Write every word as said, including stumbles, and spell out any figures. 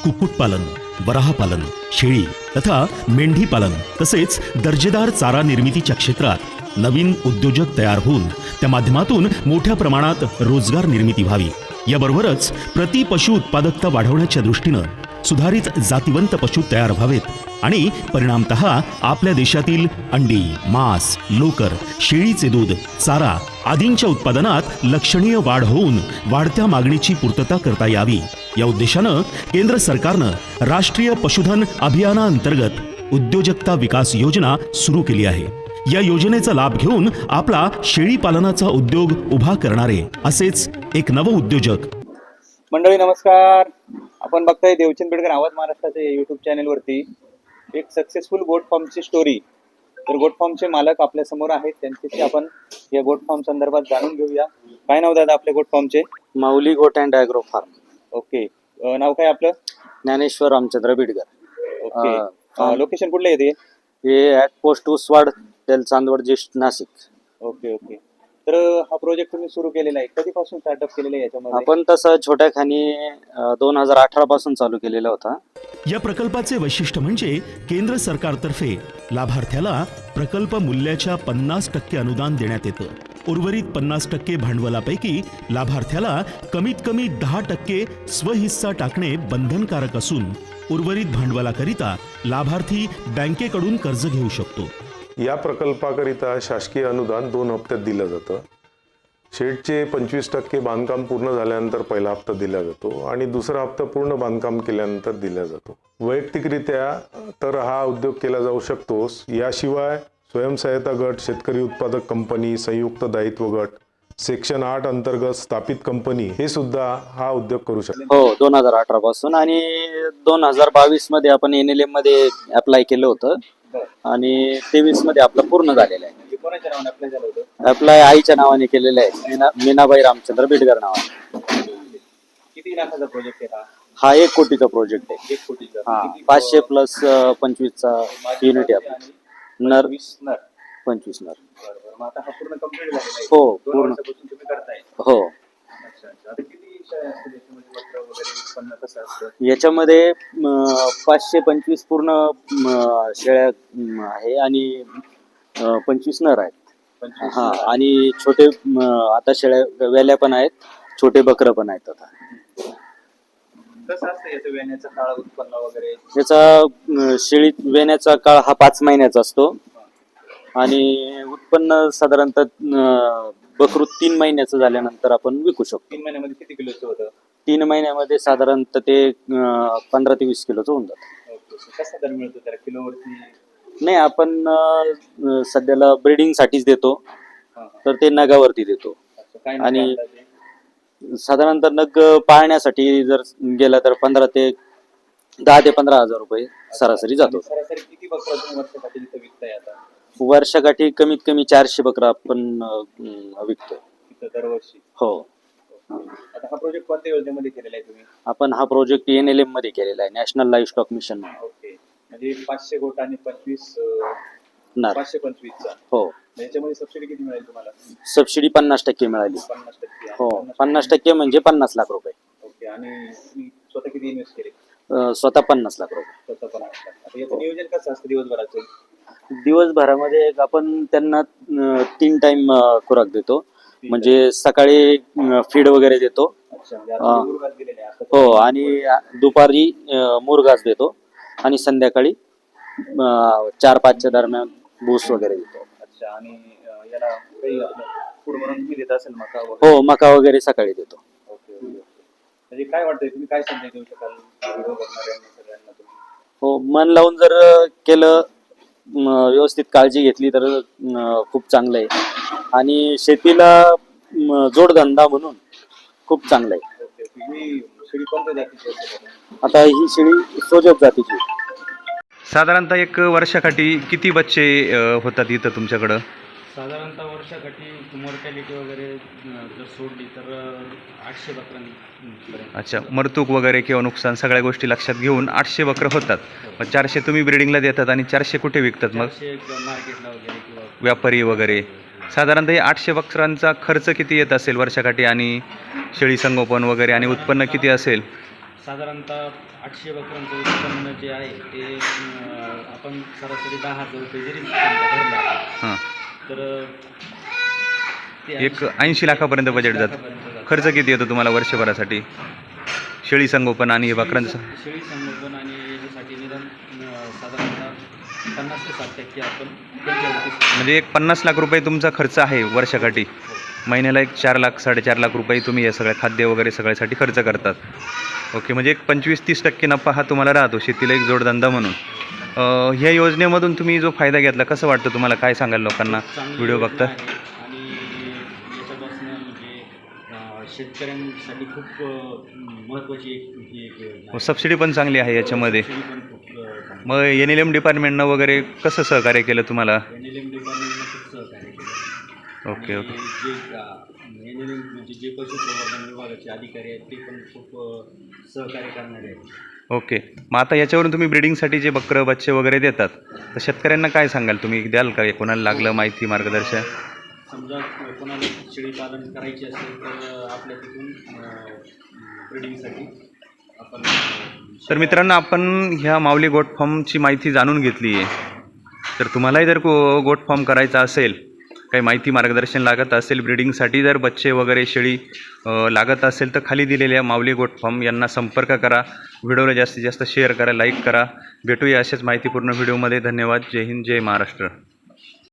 कुक्कुटपालन, वराहपालन, शेळी तथा मेंढी पालन तसेच दर्जेदार चारा निर्मितीच्या क्षेत्रात नवीन उद्योजक तयार होऊन त्या माध्यमातून मोठ्या प्रमाणात रोजगार निर्मिती व्हावी। याबरोबरच प्रति पशु उत्पादकता वाढवण्याच्या दृष्टीनं सुधारित जातिवंत पशु तयार व्हावेत आणि परिणामतः आपल्या देशातील अंडी, मांस, लोकर, शेळीचे दूध, चारा आदींच्या उत्पादनात लक्षणीय वाढ होऊन वाढत्या मागणीची पूर्तता करता यावी या उद्देशानं केंद्र सरकारनं राष्ट्रीय पशुधन अभियानाअंतर्गत उद्योजकता विकास योजना सुरू केली आहे। या योजनेचा लाभ घेऊन आपला शेळी पालनाचा उद्योग उभा करणारे असेच एक नव उद्योजक। मंडळी नमस्कार, आपण बघताय देवचंद बेडकर आवाज महाराष्ट्राच्या युट्यूब चॅनल वरती एक सक्सेसफुल गोट फार्मची स्टोरी। तर गोट फार्मचे मालक आपल्या समोर आहेत, त्यांच्याशी आपण या गोट फार्म संदर्भात जाणून घेऊया। काय नाव दादा आपल्या गोट फार्मचे? Mauli goat and agro farm. Okay, नाव काय आपलं? ज्ञानेश्वर रामचंद्र बिडकर। ओके, लोकेशन कुठलं येते? हे ॲट पोस्ट उसवाड, तेल चांदवड, जिस्ट, नाशिक। ओके ओके, तर हा प्रोजेक्ट तुम्ही सुरू केलेला आहे, कधीपासून स्टार्टअप केलेला आहे याच्यामध्ये? आपण तसं छोट्या खाणी दोन हजार अठरा पासून चालू केलेला होता। या प्रकल्पाचे वैशिष्ट्य म्हणजे केंद्र सरकारतर्फे लाभार्थ्याला प्रकल्प मूल्याच्या पन्नास टक्के अनुदान देण्यात येतं। उर्वरित पन्नास टक्के भांडवलापैकी लाभार्थ्याला कमीत कमी दहा टक्के स्वहिस्सा टाकणे बंधनकारक असून उर्वरित भांडवलाकरिता लाभार्थी बँकेकडून कर्ज घेऊ शकतो। या प्रकल्पाकरिता शासकीय अनुदान दोन हप्त्यात दिलं जातं। शेडचे पंचवीस टक्के बांधकाम पूर्ण झाल्यानंतर पहिला हप्ता दिला जातो आणि दुसरा हप्ता पूर्ण बांधकाम केल्यानंतर दिला जातो। वैयक्तिकरित्या तर हा उद्योग केला जाऊ शकतो। याशिवाय स्वयंसहायता गट, शेतकरी उत्पादक कंपनी, संयुक्त दायित्व गट, सेक्शन आठ अंतर्गत स्थापित कंपनी हे सुद्धा हा उद्योग करू शकतात। हो, दोन हजार अठरा पासून आणि दोन हजार बावीस मध्ये आपण एन एल एम मध्ये अप्लाय केलं होतं आणि तेवीस मध्ये आपलं पूर्ण झालेलं आहे। कोणाच्या नावाने अप्लाय झालं होतं? अप्लाय आईच्या नावाने केलेलं आहे, मीना मीनाबाई रामचंद्र बिडकर नावाने। किती लाखाचा प्रोजेक्ट आहे हा? हा एक कोटीचा प्रोजेक्ट आहे। एक कोटीचा? हा, पाचशे प्लस पंचवीसचा युनिट आहे। नर वीस नर, पंचवीस नर। बरोबर, मग आता हा पूर्ण कंप्लीट झालेला आहे? हो, दोन पूर्ण वर्षापासून तुम्ही करताय? हो। अच्छा अच्छा, आता किती शेळ्या असतील याच्यामध्ये, वक्र वगैरे उत्पन्न कसं असतं? याच्यामध्ये पाचशे पंचवीस पूर्ण म, शेळ्या म, आहे आणि अ, पंचवीस नर आहेत। पंचवीस हा, नर. आणि छोटे म, आता शेळ्या वेल्या पण आहेत, छोटे बकर पण आहेत। आता कसं असतं याचं वेण्याचं काळ, उत्पन्न वगैरे? याचा अ, शेळी वेण्याचा काळ हा पाच महिन्याचा असतो आणि उत्पन्न साधारणतः अ, बकरू तीन महिन्याचं झाल्यानंतर आपण विकू शकतो। तीन महिन्यामध्ये किती किलोचं होतं? तीन महिन्यामध्ये साधारणतः ते अ, पंधरा ते वीस किलोचं होऊन जातं। ओके, कसा दर मिळतो त्याला किलोवरती? नाही, आपण अ, सध्याला ब्रीडिंग साठीच देतो, हा, हा. तर ते नगावरती देतो। अच्छा, काय आणि नाव अंदाजे? साधारणतः नग पाळण्यासाठी जर गेला तर पंधरा ते दहा ते पंधरा हजार रुपये सरासरी जातो। आणि सरासरी किती बकरा तुम्ही वर्षासाठी इथं विकताय आता? वर्षाकाठी कमीत कमी चारशे बकरा आपण अ, विकतो इथं दरवर्षी? हो। आता हा प्रोजेक्ट कोणत्या योजनेमध्ये केलेला आहे तुम्ही? आपण हा प्रोजेक्ट एन एल एम मध्ये केलेला आहे, national livestock mission. Okay, म्हणजे पाचशे गोट आणि पंचवीस अं, नर। पाचशे पंचवीसचा? हो। याच्यामध्ये सबसिडी किती मिळेल तुम्हाला? सबसिडी पन्नास टक्के मिळाली। पन्नास टक्के? हो, पन्नास टक्के म्हणजे पन्नास लाख रुपये। ओके, आणि तुम्ही स्वतः किती इन्व्हेस्ट केले? अ, स्वतः पन्नास लाख रुपये। स्वतः पन्नास लाख? आता याचं नियोजन कसं असतं दिवसभराचं? दिवसभरामध्ये आपण त्यांना अ, तीन टाइम खुराक देतो, म्हणजे सकाळी फीड वगैरे देतो। अच्छा, म्हणजे आता तुम्ही मुरघास दिलेले आहे आता? हो, आणि दुपारी अ, मुरघास देतो आणि संध्याकाळी अ, चार पाचच्या दरम्यान भूस वगैरे देतो। अच्छा, आणि अं, याला काही आपलं फूड म्हणून तुम्ही देत असेल मका वगैरे? हो, मका वगैरे सकाळी देतो। ओके ओके, म्हणजे काय वाटतंय, तुम्ही काय संदेश देऊ शकाल व्हिडिओ बघणाऱ्यांना सगळ्यांना तुम्ही? हो, मन लावून जर केलं, म, व्यवस्थित काळजी घेतली तर अ, खूप चांगलं आहे आणि शेतीला म, जोडधंदा म्हणून खूप चांगलं आहे। ओके, ही शेळी कोणत्या जातीची असते? आता ही शेळी सोजत जातीची। साधारणतः एक वर्षाकाठी किती बच्चे अ, होतात इथं तुमच्याकडं? साधारणतः वर्षाकाठी मॉर्टॅलिटी वगैरे अं, जर सोडली तर अं, आठशे बकरांपर्यंत। अच्छा, मरतूक वगैरे किंवा नुकसान सगळ्या गोष्टी लक्षात घेऊन आठशे बकरं होतात। मग चारशे तुम्ही ब्रिडिंगला देतात आणि चारशे कुठे विकतात मग? चारशे मार्केटला वगैरे किंवा व्यापारी वगैरे। साधारणतः हे आठशे बकरांचा खर्च किती येत असेल वर्षाकाठी आणि शेळी संगोपन वगैरे आणि उत्पन्न किती असेल? साधारणतः आठशे बकऱ्यांचं उत्पन्न जे आहे ते अं, आपण सरासरी दहा हजार रुपये जरी भरला हां तर ते एक ऐंशी लाखापर्यंत बजेट जातं. लाखापर्यंत जातं. खर्च किती येतो तुम्हाला वर्षभरासाठी शेळी संगोपन आणि हे बकऱ्यांचं? शेळी शेळी संवर्धन आणि याच्यासाठी निदान अं, साधारणतः पन्नास ते साठ टक्के आपण त्यांच्यावरती म्हणजे एक पन्नास लाख रुपये तुमचा खर्च आहे वर्षाकाठी. महिन्याला एक चार लाख साडेचार लाख रुपये तुम्ही हे सगळ्या खाद्य वगैरे सगळ्यासाठी खर्च करतात. ओके, म्हणजे एक पंचवीस तीस टक्के नफा हा तुम्हाला राहतो शेतीला एक जोडधंदा म्हणून. अं, ह्या योजनेमधून तुम्ही जो फायदा घेतला कसं वाटतं तुम्हाला? काय सांगाल लोकांना चांगली व्हिडिओ योजना बघता? आहे आणि याच्यापासून म्हणजे अं, शेतकऱ्यांसाठी खूप अं, महत्त्वाची एक ही एक योजना आहे. सबसिडी पण चांगली आहे याच्यामध्ये. शेळी पण खूप अं, चांगली. मग एन एल एम डिपार्टमेंटनं वगैरे कसं सहकार्य केलं तुम्हाला? एन एल एम डिपार्टमेंटनं खूप सहकार्य केलं. ओके आणि ओके जे एन एल एम म्हणजे जे पशुसंवर्धन विभागाचे अधिकारी आहेत ते पण खूप अं, सहकार्य करणारे आहेत. ओके. मग आता याच्यावरून तुम्ही ब्रिडिंगसाठी जे बकरं बच्चे वगैरे देतात तर शेतकऱ्यांना काय सांगाल तुम्ही? द्याल का कोणाला लागलं माहिती मार्गदर्शन? समजा कोणाला शेळी पालन करायची असेल तर आपल्या तिथून ब्रिडिंगसाठी आपण अं, तर मित्रांनो, आपण ह्या माऊली गोट फार्मची माहिती जाणून घेतली आहे. तर तुम्हालाही जर को गोट फार्म करायचा असेल, काही माहिती मार्गदर्शन लागत असेल, ब्रिडिंगसाठी जर बच्चे वगैरे शेळी अ, लागत असेल तर खाली दिलेल्या माऊली गोट फार्म यांना संपर्क करा. व्हिडिओला जास्तीत जास्त शेअर करा, लाईक करा. भेटूया अशाच माहितीपूर्ण व्हिडिओमध्ये. धन्यवाद. जय हिंद, जय महाराष्ट्र.